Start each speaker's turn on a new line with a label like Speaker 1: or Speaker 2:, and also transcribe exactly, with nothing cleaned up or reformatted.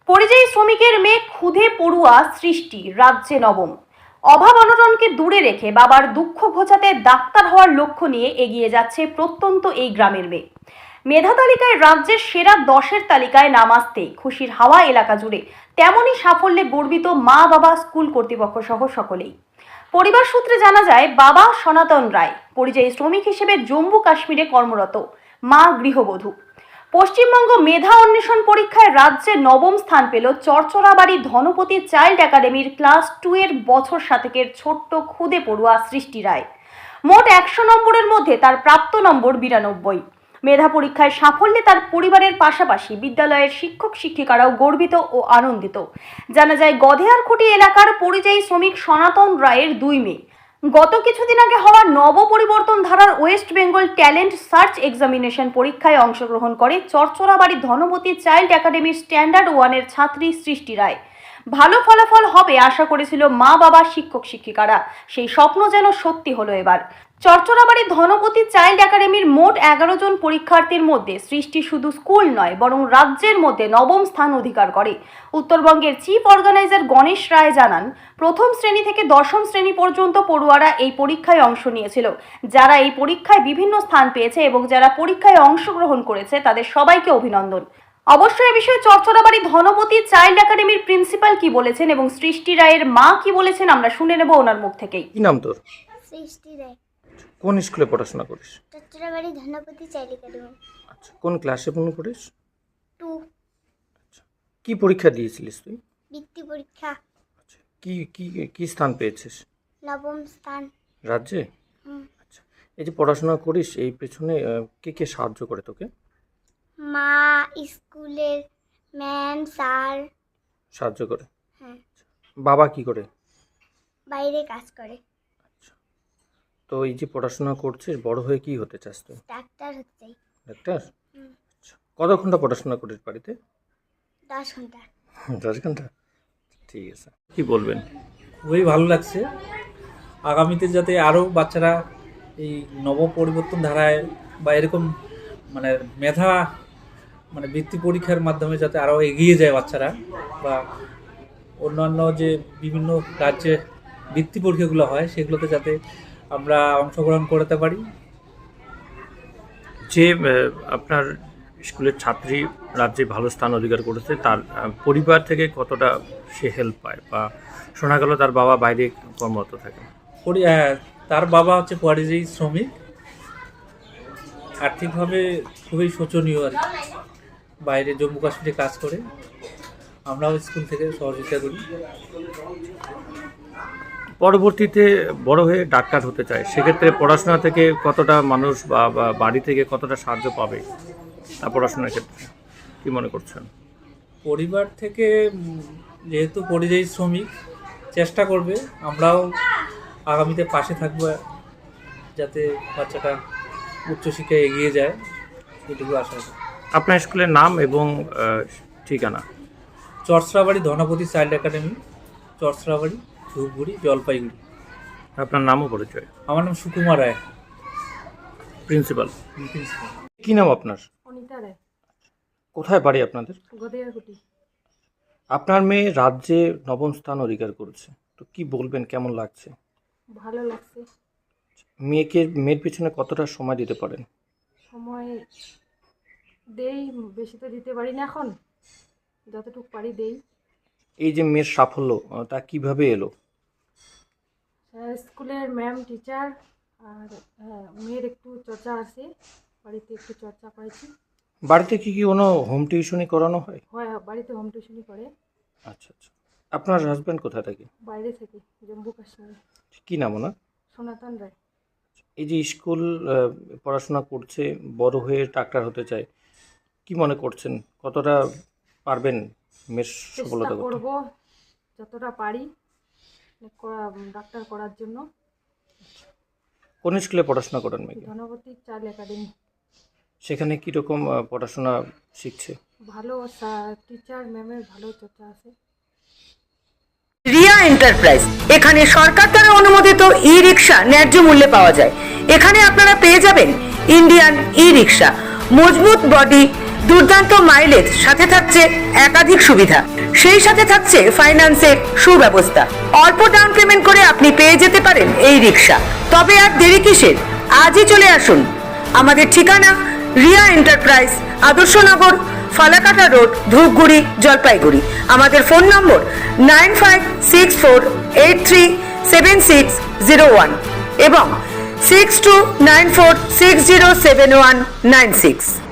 Speaker 1: পরিযায়ী শ্রমিকের মেয়ে ক্ষুধে পড়ুয়া সৃষ্টি রাজ্যে নবম। অভাব অনটনকে দূরে রেখে বাবার দুঃখ ঘোচাতে ডাক্তার হওয়ার লক্ষ্য নিয়ে এগিয়ে যাচ্ছে প্রত্যন্ত এই গ্রামের মেয়ে। মেধা তালিকায় রাজ্যের সেরা দশের তালিকায় নাম আসতেই খুশির হাওয়া এলাকা জুড়ে। তেমনই সাফল্যে গর্বিত মা, বাবা, স্কুল কর্তৃপক্ষ সহ সকলেই। পরিবার সূত্রে জানা যায়, বাবা সনাতন রায় পরিযায়ী শ্রমিক হিসেবে জম্মু কাশ্মীরে কর্মরত, মা গৃহবধূ। পশ্চিমবঙ্গ মেধা অন্বেষণ পরীক্ষায় রাজ্যে নবম স্থান পেল চরচরাবাড়ি ধনপতি চাইল্ড একাডেমির ক্লাস টু এর বছর সাতেকের ছোট্ট ক্ষুদে পড়ুয়া সৃষ্টি রায়। মোট একশো নম্বরের মধ্যে তার প্রাপ্ত নম্বর বিরানব্বই। মেধা পরীক্ষায় সাফল্যে তার পরিবারের পাশাপাশি বিদ্যালয়ের শিক্ষক শিক্ষিকারাও গর্বিত ও আনন্দিত। জানা যায়, গধেয়ারখুঁটি এলাকার পরিযায়ী শ্রমিক সনাতন রায়ের দুই মেয়ে গত কিছুদিন আগে হওয়া নব পরিবর্তন ধারার West Bengal talent search examination পরীক্ষায় অংশগ্রহণ করে চরচরাবাড়ি ধনপতি চাইল্ড একাডেমির স্ট্যান্ডার্ড ওয়ানের ছাত্রী সৃষ্টি রায়। ভালো ফলাফল হবে আশা করেছিল মা, বাবা, শিক্ষক শিক্ষিকারা। সেই স্বপ্ন যেন সত্যি হলো এবার। চরচরাবাড়ি ধনপতি চাইল্ড একাডেমির মোট এগারো জন পরীক্ষার্থীর মধ্যে সৃষ্টি শুধু স্কুল নয়, বরং রাজ্যের মধ্যে নবম স্থান অধিকার করে। উত্তরবঙ্গের চিফ অর্গানাইজার গণেশ রায় জানান, প্রথম শ্রেণী থেকে দশম শ্রেণী পর্যন্ত পড়ুয়ারা এই পরীক্ষায় অংশ নিয়েছিল। যারা এই পরীক্ষায় বিভিন্ন স্থান পেয়েছে এবং যারা পরীক্ষায় অংশগ্রহণ করেছে তাদের সবাইকে অভিনন্দন। অবশ্যই এ বিষয়ে চরচরাবাড়ি ধনপতি চাইল্ড একাডেমির প্রিন্সিপাল কি বলেছেন এবং সৃষ্টি রায়ের মা কি বলেছেন আমরা শুনে নেব ওনার মুখ থেকেই।
Speaker 2: কি নাম তোর?
Speaker 3: সৃষ্টি রায়।
Speaker 2: কোন স্কুলে পড়াশোনা করিস?
Speaker 3: Charcharabari Dhanapati child academy.
Speaker 2: আচ্ছা, কোন ক্লাসে পড়ে পড়িস?
Speaker 3: টু।
Speaker 2: আচ্ছা, কি পরীক্ষা দিয়েছিলিস তুই?
Speaker 3: বৃত্তি পরীক্ষা।
Speaker 2: আচ্ছা, কি কি কি স্থান পেয়েছিস?
Speaker 3: নবম স্থান।
Speaker 2: রাজ্যে?
Speaker 3: হুম।
Speaker 2: আচ্ছা, এই যে পড়াশোনা করিস এই পেছনে আহ, কে কে সাহায্য করে তোকে?
Speaker 3: মা, স্কুলের ম্যাম, স্যার।
Speaker 2: সাহায্য করে?
Speaker 3: হ্যাঁ।
Speaker 2: বাবা কি করে?
Speaker 3: বাইরে কাজ করে।
Speaker 2: আচ্ছা, তো এই যে পড়াশোনা করছিস, বড় হয়ে কি হতে চাস তুই?
Speaker 3: ডাক্তার হচ্ছে।
Speaker 2: ডাক্তার?
Speaker 3: হুম।
Speaker 2: আচ্ছা, কত ঘন্টা পড়াশোনা করিস বাড়িতে?
Speaker 3: দশ ঘন্টা।
Speaker 2: দশ ঘন্টা? ঠিক আছে, কি বলবেন?
Speaker 4: খুবই ভালো লাগছে। আগামীতে যাতে আরও বাচ্চারা এই নব পরিবর্তন ধারায় বা এরকম মানে মেধা মানে বৃত্তি পরীক্ষার মাধ্যমে যাতে আরও এগিয়ে যায় বাচ্চারা, বা অন্যান্য যে বিভিন্ন রাজ্যে বৃত্তি পরীক্ষাগুলো হয় সেগুলোতে যাতে আমরা অংশগ্রহণ করতে পারি।
Speaker 2: যে আহ, আপনার স্কুলের ছাত্রী রাজ্যে ভালো স্থান অধিকার করেছে, তার আহ, পরিবার থেকে কতটা সে হেল্প পায়, বা শোনা গেল তার বাবা বাইরে কর্মরত থাকে?
Speaker 4: পরি আহ, তার বাবা হচ্ছে পরিযায়ী শ্রমিক, আর্থিকভাবে খুবই শোচনীয় আর কি। বাইরে জম্মু কাশ্মীরে কাজ করে, আমরাও স্কুল থেকে সহযোগিতা করি।
Speaker 2: পরবর্তীতে বড় হয়ে ডাক্তার হতে চায়, সেক্ষেত্রে পড়াশোনা থেকে কতটা মানুষ বা বা বাড়ি থেকে কতটা সাহায্য পাবে তার পড়াশোনার ক্ষেত্রে, কি মনে করছেন?
Speaker 4: পরিবার থেকে উম, যেহেতু পরিযায়ী শ্রমিক, চেষ্টা করবে, আমরাও আগামীতে পাশে থাকবো যাতে বাচ্চাটা উচ্চশিক্ষায় এগিয়ে যায়, এটুকু আশা করি।
Speaker 2: আপনার স্কুলের নাম এবং আহ, ঠিকানা?
Speaker 4: Charcharabari Dhanapati child academy, Charcharabari, Dhupguri, Jalpaiguri.
Speaker 2: আপনার নামও পরিচয়?
Speaker 4: আমার নাম সুকুমার রায়,
Speaker 2: প্রিন্সিপাল।
Speaker 4: প্রিন্সিপাল।
Speaker 2: কি নাম আপনার?
Speaker 1: অনিতা রায়,
Speaker 2: কোথায় বাড়ি আপনাদের?
Speaker 1: গধেয়ারখুঁটি।
Speaker 2: আপনার মেয়ে রাজ্যে নবম স্থান অধিকার করেছে, তো কি বলবেন, কেমন লাগছে?
Speaker 1: ভালো লাগছে।
Speaker 2: মেয়েকে মেয়ের পিছনে কতটা সময় দিতে পারেন?
Speaker 1: সময় দেই, বেশি তো দিতে পারি না, এখন যতটুকু পারি দেই।
Speaker 2: এই যে মেয়ের সাফল্য, আহ, তা কিভাবে এলো?
Speaker 1: স্কুলের ম্যাম, টিচার আর হ্যাঁ, মেয়ের একটু চর্চা আছে, বাড়িতে একটু চর্চা করেছি।
Speaker 2: বাড়িতে কি কি কোনো হোম টিউশনি করানো হয়?
Speaker 1: হয়, বাড়িতে হোম টিউশনই করে।
Speaker 2: আচ্ছা আচ্ছা, আপনার হাজব্যান্ড কোথায় থাকে?
Speaker 1: বাইরে থেকে, জম্মু কাশ্মীরে।
Speaker 2: কি নাম ওনার?
Speaker 1: সনাতন রায়।
Speaker 2: এই যে স্কুল আহ, পড়াশোনা করছে, বড় হয়ে ডাক্তার হতে চায়, কি মনে করছেন, কতটা পারবেন মেয়ের
Speaker 1: চেষ্টা
Speaker 2: সফলতা করতে?
Speaker 1: করবো যতটা পারি করা- ডাক্তার করার জন্য।
Speaker 2: কোন স্কুলে পড়াশোনা করেন মেয়েকে?
Speaker 1: Dhanapati child academy.
Speaker 2: সেখানে কীরকম পড়াশোনা শিখছে?
Speaker 1: ভালো টিচার, ম্যামের ভালো চর্চা আছে।
Speaker 5: রিয়া এন্টারপ্রাইজ, এখানে সরকার দ্বারা অনুমোদিত ই রিক্সা ন্যায্য মূল্যে পাওয়া যায়। এখানে আপনারা পেয়ে যাবেন ইন্ডিয়ান ই রিক্সা, মজবুত বডি, দুর্দান্ত মাইলেজ, সাথে থাকছে একাধিক সুবিধা, সেই সাথে থাকছে ফাইন্যান্সের সুব্যবস্থা। অল্প ডাউন পেমেন্ট করে আপনি পেয়ে যেতে পারেন এই রিক্সা। তবে আর দেরি কিসের, আজই চলে আসুন। আমাদের ঠিকানা রিয়া এন্টারপ্রাইজ, আদর্শনগর, ফালাকাটা রোড, ধূপগুড়ি, জলপাইগুড়ি। আমাদের ফোন নম্বর nine five six four eight three seven six zero one এবং six two nine four six zero seven one nine six.